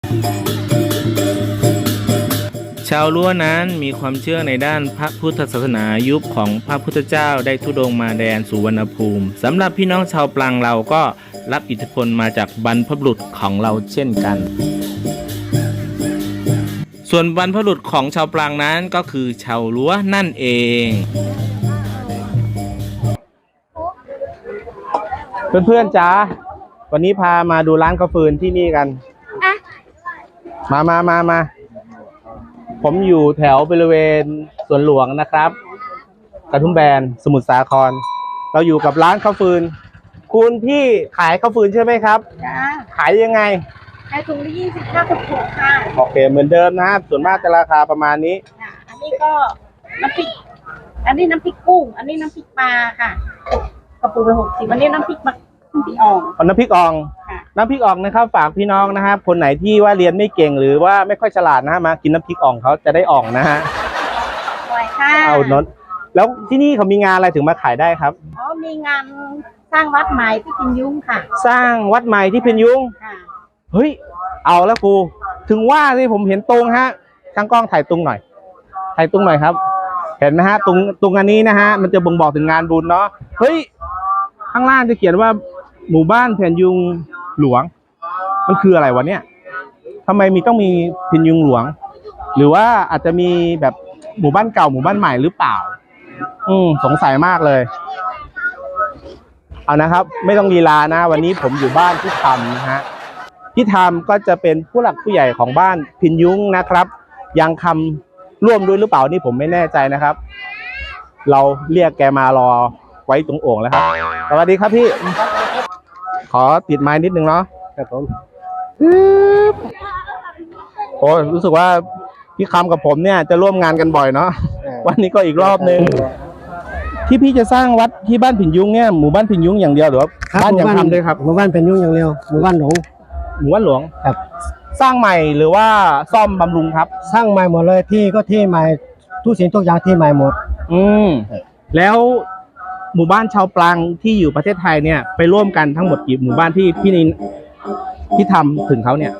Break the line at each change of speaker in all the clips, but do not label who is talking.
ชาวล้วนั้นมีความเชื่อในด้านพระพุทธศาสนายุคของพระพุทธเจ้าได้ธุดงค์มาแดนสุวรรณภูมิสำหรับพี่น้องชาวปลังเราก็รับอิทธิพลมาจากบรรพบุรุษของเราเช่นกันส่วนบรรพบุรุษของชาวปลังนั้นก็คือชาวล้วนั่นเองเพื่อนๆจ้าวันนี้พามาดูร้านข้าวฟืนที่นี่กันมาผมอยู่แถวบริเวณสวนหลวงนะครับกระทุ่มแบนสมุทรสาครเราอยู่กับร้านข้าวฟืนคุณพี่ขายข้าวฟืนใช่ไหมครับขายยังไง
ขายถุงละ25 ถูกค่ะ
โอเคเหมือนเดิมนะครับส่วนมากจะราคาประมาณนี้
อันนี้ก็น้ำพริกอันนี้น้ำพริกกุ้งอันนี้น้ำพริกปลาค่ะกระปุกละ60อันนี้น้ำพริกอ่อง
น้ำพริกอ่องนะครับฝากพี่น้องนะครับคนไหนที่ว่าเรียนไม่เก่งหรือว่าไม่ค่อยฉลาดนะฮะมากินน้ำพริกอ่องเขาจะได้อ่องนะฮะ
อร่อยค่ะ
เอานนแล้วที่นี่เขามีงานอะไรถึงมาขายได้ครับ
มีงานสร้างวัดใหม่ที่พินยุ้งค่ะ
สร้างวัดใหม่ที่พินยุ้งเฮ้ยเอาแล้วกูถึงว่าที่ผมเห็นตรงฮะช่างกล้องถ่ายตรงหน่อยครับเห็นไหมฮะตรงอันนี้นะฮะมันจะบ่งบอกถึงงานบุญเนาะเฮ้ยข้างล่างจะเขียนว่าหมู่บ้านพินยุ้งหลวงมันคืออะไรวะเนี่ยทำไมต้องมีพินยุ้งหลวงหรือว่าอาจจะมีแบบหมู่บ้านเก่าหมู่บ้านใหม่หรือเปล่าสงสัยมากเลยเอานะครับไม่ต้องลีลานะวันนี้ผมอยู่บ้านที่ทำนะฮะที่ทำก็จะเป็นผู้หลักผู้ใหญ่ของบ้านพินยุ้งนะครับยังคำร่วมด้วยหรือเปล่านี่ผมไม่แน่ใจนะครับเราเรียกแกมารอไว้ตรงโอ่งแล้วครับสวัสดีครับพี่ขอติดไม้นิดนึงเนาะครับผมโอ้รู้สึกว่าพี่คำกับผมเนี่ยจะร่วมงานกันบ่อยเนาะวันนี้ก็อีกรอบนึงที่พี่จะสร้างวัดที่บ้านพินยุ้งเนี่ยหมู่บ้านพินยุ้งอย่างเดียวหรือว่าบ้านยังทำด้วยครับ
หมู่บ้านพินยุ้งอย่างเดียวหมู่บ้านหลวง
ครับสร้างใหม่หรือว่าซ่อมบำรุงครับ
สร้างใหม่หมดเลยที่ก็ที่ใหม่ทุกสิ่งทุกอย่างที่ใหม่หมด
แล้วหมู่บ้านชาวปลังที่อยู่ประเทศไทยเนี่ยไปร่วมกันทั้งหมดกี่หมู่บ้านที่พี่นินที่ทำถึงเขาเนี่ย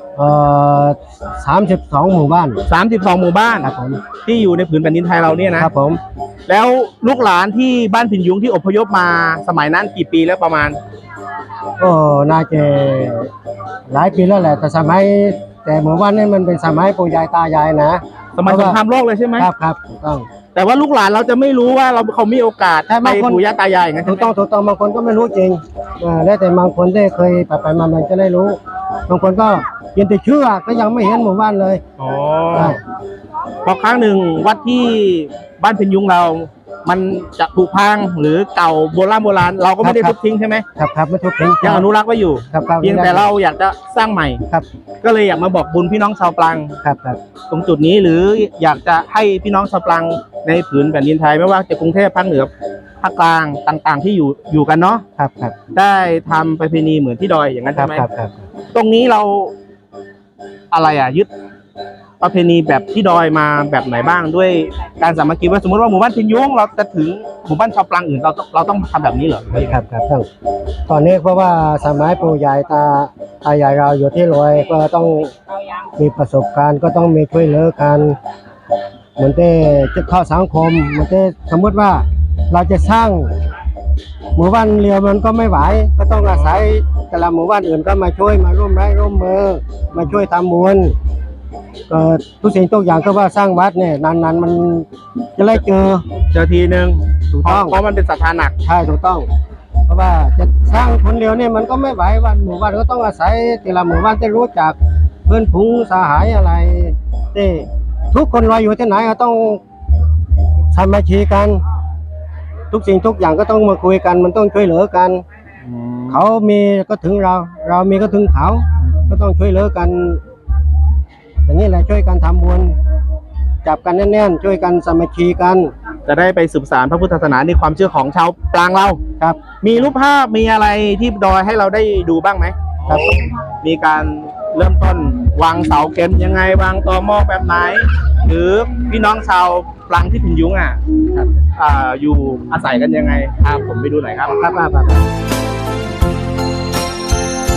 32 หมู่บ้าน
32 หมู่บ้าน
ครับผม
ที่อยู่ในผืนแผ่นดินไทยเราเนี่ยนะครับ
ผม
แล้วลูกหลานที่บ้านพินยุ้งที่อพยพมาสมัยนั้นกี่ปีแล้วประมาณ
น่าจะหลายปีแล้วแหละแต่หมู่บ้านนี้มันเป็นสมัยปู่ยายตายายนะ
สมัยสงครามโลกเลยใช่ไหม
ครับถูกต้อง
แต่ว่าลูกหลานเราจะไม่รู้ว่าเขามีโอกาสไปปู่ย่าตายายอย่างนั้น
ถูกต้องบางคนก็ไม่รู้จริงแล้วแต่บางคนได้เคยไปมามันจะได้รู้บางคนก็ยังแต่เชื่อก็ยังไม่เห็นหมู่บ้านเลย
พอครั้งหนึ่งวัดที่บ้านพินยุ้งเรามันจะผุพังหรือเก่าโบราณเราก็ไม่ได้ทุบทิ้งใช่ไหม
ครับไม่ทุบทิ้ง
ยังอนุรักษ์ไว้อยู่เพียงแต่เราอยากจะสร้างใหม่ก็เลยอยากมาบอกบุญพี่น้องชาวปลังตรงจุดนี้หรืออยากจะให้พี่น้องชาวปลังในผืนแผ่นดินไทยไม่ว่าจะกรุงเทพภาคเหนือภาคกลางต่างๆที่อยู่กันเนาะได้ทำประเพณีเหมือนที่ดอยอย่างนั้นใช่ไหมตรงนี้เราอะไรยึดประเพณีแบบที่ดอยมาแบบไหนบ้างด้วยการสามัคคีว่าสมมติว่าหมู่บ้านพินยุ้งเราจะถึงหมู่บ้านชาวปลังอื่นเราต้องทำแบบนี้เหรอ
ครับตอนนี้เพราะว่าสมัยปู่ยายตายายเราอยู่ที่ดอยก็ต้องมีประสบการณ์ก็ต้องมีช่วยเหลือกันเหมือนที่จะเข้าสังคมเหมือนที่สมมติว่าเราจะสร้างหมู่บ้านเดียวมันก็ไม่ไหวก็ต้องอาศัยแต่ละหมู่บ้านอื่นก็มาช่วยมาร่วมไม้ร่วมมือมาช่วยทำบุญทุกสิ่งทุกอย่างก็ว่าสร้างวัดเนี่ยนานๆมันจะได้เจอ
ทีนึง
ถูกต้อง
เพราะมันเป็นศรัทธาหนัก
ใช่ถูกต้องเพราะว่าจะสร้างคนเดียวเนี่ยมันก็ไม่ไหววันหมู่บ้านก็ต้องอาศัยแต่ละหมู่บ้านจะรู้จักเพื่อนฝูงสหายอะไรที่ทุกคนลอยอยู่ที่ไหนก็ต้องสามัคคีกันทุกสิ่งทุกอย่างก็ต้องมาคุยกันมันต้องช่วยเหลือกันเขามีก็ถึงเรามีก็ถึงเขาก็ต้องช่วยเหลือกันอย่างนี้แหละช่วยกันทำบุญจับกันแน่นๆช่วยกันสามัคคีกัน
จะได้ไปสืบสานพระพุทธศาสนาในความเชื่อของชาวปลังเรา
ครับ
มีรูปภาพมีอะไรที่ดอยให้เราได้ดูบ้างไหม
ครับ
มีการเริ่มต้นวางเสาเข็มยังไงวางตอหม้อแบบไหนหรือพี่น้องชาวปลังที่พินยุ้งอยู่อาศัยกันยังไงพาผมไปดูหน่อยครับ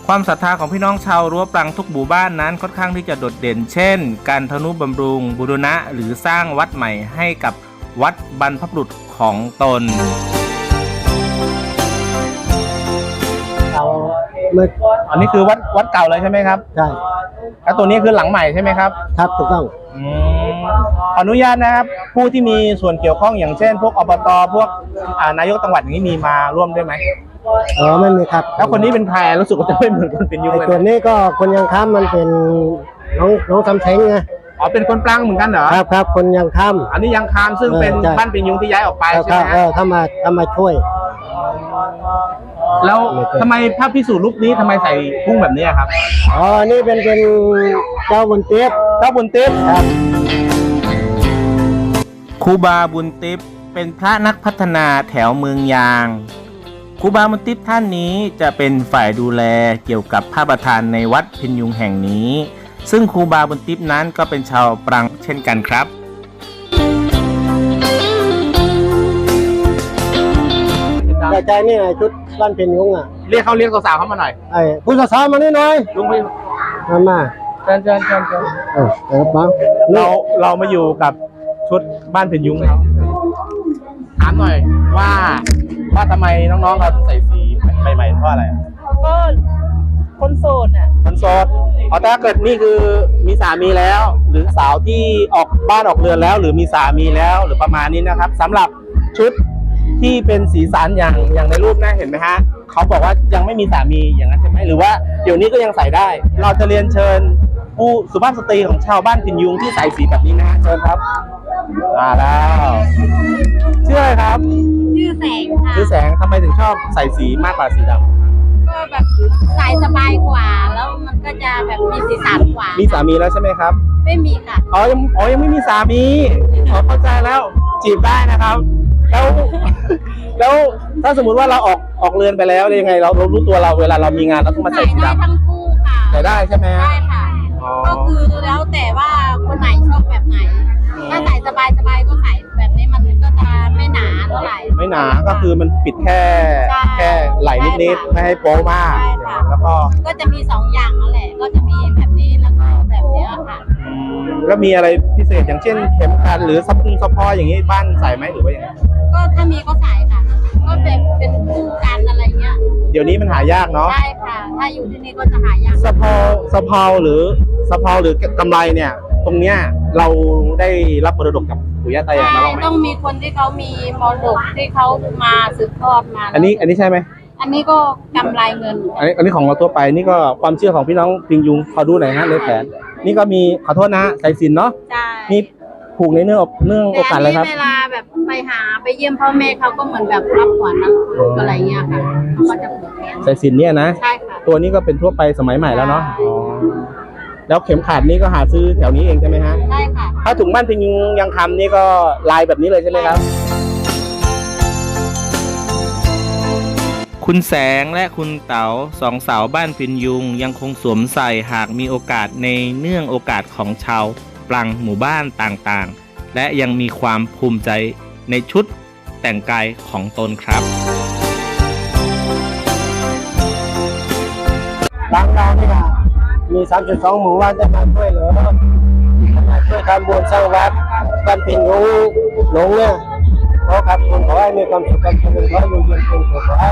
ความศรัทธาของพี่น้องชาวรั้วปรังทุกหมู่บ้านนั้นค่อนข้างที่จะโดดเด่น เช่น การทนุบำรุงบูรณะหรือสร้างวัดใหม่ให้กับวัดบรรพบุรุษของตน
เราเมื่อ
อันนี้คือวัดเก่าเลยใช่ไหมครับ
ใช่
แล้วตัวนี้คือหลังใหม่ใช่ไหมครับ
ครับถูกต้อง
ขออนุญาตนะครับผู้ที่มีส่วนเกี่ยวข้องอย่างเช่น พวกอบตพวกนายกจังหวัดอย่างนี้มีมาร่วมด้วยไหม
ไม่มีครับ
แล้วคนนี้เป็นใครรู้สึกว่าจะไม่เหมือนคนเป็นยุง
ไอ้
เลย
ตัวนี้ก็คนยังค้ำมันเป็นน้องสำเพ็งไง
อ๋อเป็นคนปลังเหมือนกันเหรอ
ครับคนยังค้ำ
อันนี้ยังคามซึ่งเป็น
ใช่
บ้านเป็นยุงที่ย้ายออกไปใช่ไหมฮะ
ถ้ามาช่วย
แล้วทำไมพระพิสุรูปนี้ทำไมใส่พุ่งแบบนี้ครับ
นี่เป็นเจ้าบุญเตี้ย
เจ้าบุญติ๊บ
ครับ
ครูบาบุญติ๊บเป็นพระนักพัฒนาแถวเมืองยางครูบาบุญติ๊บท่านนี้จะเป็นฝ่ายดูแลเกี่ยวกับพระประธานในวัดพินยุงแห่งนี้ ซึ่งครูบาบุญติ๊บนั้นก็เป็นชาวปรังเช่นกันครับ
แต่ใจนี่ไงชุดบ้านเพ็ญยุงอ่ะ
เรียกสาวๆเข้ามาหน่อย
ไอ้ผู้สาวมานี่หน่อย
ลุงพี่
มา
เชิญ เรามาอยู่กับชุดบ้านพินยุงนะครับถามหน่อยว่าทำไมน้องๆเราใส่สีใหม่ๆเพราะอะไรอะ
ก็คนโสดอ่ะ
มันโสดถ้าเกิดนี่คือมีสามีแล้ว หรือสาวที่ออกบ้านออกเรือนแล้ว หรือมีสามีแล้วหรือประมาณนี้นะครับสำหรับชุดที่เป็นสีสันอย่างในรูปนะเห็นไหมฮะเขาบอกว่ายังไม่มีสามีอย่างนั้นใช่ไหมหรือว่าเดี๋ยวนี้ก็ยังใส่ได้ เราจะเรียนเชิญผู้สุภาพสตรีของชาวบ้านพินยุงที่ใส่สีแบบนี้นะฮะเชิญครับมาแล้วชื่ออะไรครับ
ชื่อแสงค่ะ
ชื่อแสงทำไมถึงชอบใส่สีมากกว่าสีดำ
ก็แบบใส่สบายกว่า แล้วมันก็จะแบบมีสีสันกว่า
มีสามีแล้วใช่ไหมครับ
ไม่มีค่ะ
ยังไม่มีสามีเข้าใจแล้วจีบได้นะครับ แล้วถ้าสมมุติว่าเราออกเรือนไปแล้วยังไงเรารู้ตัวเราเวลาเรามีงานเราต้องมา
ใส่
ใส่สี
ได้
ดำ
ทั้งคู่ค่ะ
ใส่ได้ใช่ไหมฮะ
ได้ค่ะ
อ๋อ
ก็คือแล้วแต่ว่าคนไหนชอบแบบไหน ถ้าใส่สบายก็ใส่แบบนี้มันก็จะไม่หนาเท่าไหร่
ไม่หนาก็คือมันปิดแค่
ใช่
ไหล่นิดๆไม่ให้โป๊มาก
ใช่ค่ะ
แล้วก็
ก็จะมีสองอย่างนั่นแหละ ก็จะมีแบบนี้แล้วก็แบบเนี้ยค่ะ
แล้วมีอะไรพิเศษอย่างเช่นเข็มขัดหรือซัพพอร์อย่างนี้บ้านใส่ไหมหรือว่ายังไง
ก็ถ้ามีก็ใส่ค่ะ ก็เป็นคู่กันอะไรเงี้ย
เดี๋ยวนี้มันหายากเนาะ
ใช่ค่ะ ถ้าอยู่ที่นี่ก็จะหายาก
ซัพพอร์หรือกำไรเนี่ย ตรงเนี้ยเราได้รับมรดกจากปู่ย่าตายายมาบ้างไหม
ต้องมีคนที่เขามีมรดกที่เขามาสืบทอดมา
อันนี้ใช่ไหม
อันนี้ก็กำไรเงิน
อันนี้ของเราทั่วไปนี่ก็ความเชื่อของพี่น้องพิงยุงขอดูหน่อยฮะในแผนนี่ก็มีขอโทษนะสายสิญจน์เนาะ
ใช่
นี่ผูกในเนื่องโอกาสอะไรครับ
แต่อันนี้เวลาแบบไปเยี่ยมพ่อแม่เขาก็เหมือนแบบรับขวัญอะไรเงี้ยค่ะเขาก็จะผูกแขน
สายสิญจน์เนี่ยนะ
ใช่ค่ะ
ตัวนี้ก็เป็นทั่วไปสมัยใหม่แล้วเนาะอ๋อแล้วเข็มขัดนี่ก็หาซื้อแถวนี้เองใช่ไหมฮะ
ใช่ค่ะ
ถ้าถุงบ้านพิงยุงยังคำนี่ก็ลายแบบนี้เลยใช่ไหมครับ คุณแสงและคุณเต๋าสองสาวบ้านพินยุงยังคงสวมใส่หากมีโอกาสในเนื่องโอกาสของชาวปลังหมู่บ้านต่างๆ และยังมีความภูมิใจในชุดแต่งกายของตนครับ
บางเรานี่ค่ะมี32หมู่บ้านจะมาช่วยเหลือมาช่วยทำบุญสร้างวัดบ้านเพ็ญยุงหลงเนี่ยขอครับคุณขอให้มีความสุขความเจริญขอให้อยู่เย็นเป็นสุขขอให้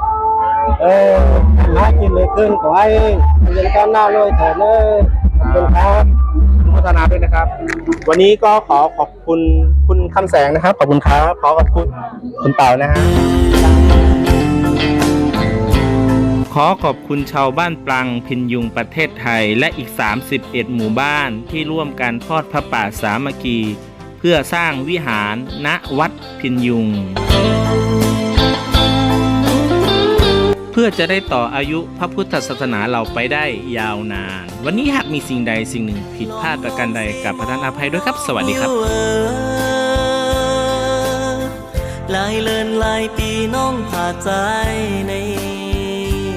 หากินเลยขึ้นขอให้เงินก้าวหน้าเลยเถิดเลยขอบคุณครับ
พัฒนาด้วยนะครับ วันนี้ก็ขอขอบคุณคุณคำแสงนะครับ ขอบคุณครับขอขอบคุณคุณเต่านะฮะขอขอบคุณชาวบ้านปลังพินยุงประเทศไทยและอีก31หมู่บ้านที่ร่วมกันทอดพระป่าสามัคคีเพื่อสร้างวิหารณวัดพินยุง เพื่อจะได้ต่ออายุพระพุทธศาสนาเราไปได้ยาวนาน วันนี้หากมีสิ่งใดสิ่งหนึ่งผิดพลาดประการใดกับประทานอภัยด้วยครับ สวัสดีครับ
หลายเลินหลายปีน้องผ่าใจใน